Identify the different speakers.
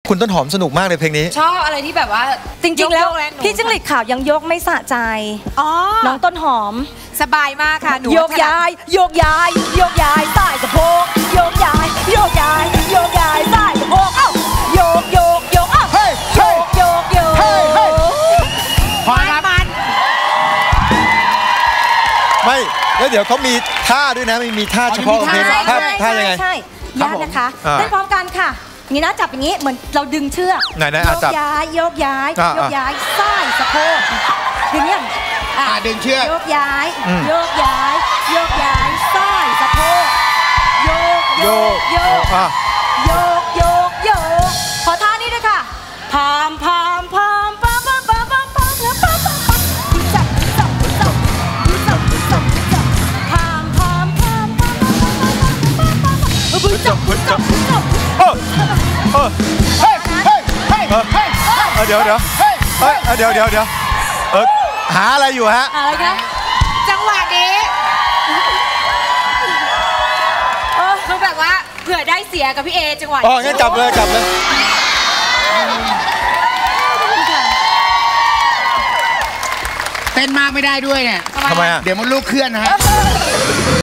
Speaker 1: คุณต้นหอมสนุกมากเลยเพลงนี้
Speaker 2: ชอบอะไรที่แบบว่า
Speaker 3: จริงๆแล้วพี่จิ้งหรีดขาวยังยกไม่สะใจน้องต้นหอม
Speaker 2: สบายมากค่ะหนู
Speaker 3: โยกย้ายโยกย้ายโยกย้ายใต้สะโพกโยกย้ายโยกย้ายโยกย้ายใต้สะโพกเอ้าโยกโยกโยกอ้าวโยกโยกโยก
Speaker 2: พอครับมัน
Speaker 1: ไม่แล้วเดี๋ยวเขามีท่าด้วยนะมีท่าเฉพาะของเพลงท่ายังไง
Speaker 3: ใช่ยากนะคะเต้นพร้อมกันค่ะนี่นะจับอย่างนี้เหมือนเราดึงเชือก
Speaker 1: ไหน
Speaker 3: โยกย้ายโยกย้ายโยกย้ายใต้สะโพกอย่างนี้
Speaker 4: ดึงเชือก
Speaker 3: โยกย้ายโยกย้ายโยกย้ายใต้สะโพกโยกโยกโยกโยกโยกโยกขอท่านี้ด้วยค่ะพามพามพามพามพามพามพามพามพามพามพามจับจับจับจับจับจับพามพามพามพามพามพามพามจับจับจับ
Speaker 4: เฮ้ยเฮ้ยเฮ้ยเฮ้ย
Speaker 1: เดี๋ยวหาอะไรอยู่ฮะ
Speaker 3: อะไรกัน
Speaker 2: จังหวะนี้คือแบบว่าเผื่อได้เสียกับพี่เอจังหวะ
Speaker 1: งั้นจับเลย
Speaker 4: เต้นมากไม่ได้ด้วยเนี่ย
Speaker 1: ทำไมอ่ะ
Speaker 4: เดี๋ยวมันลูกเคลื่อนนะฮะ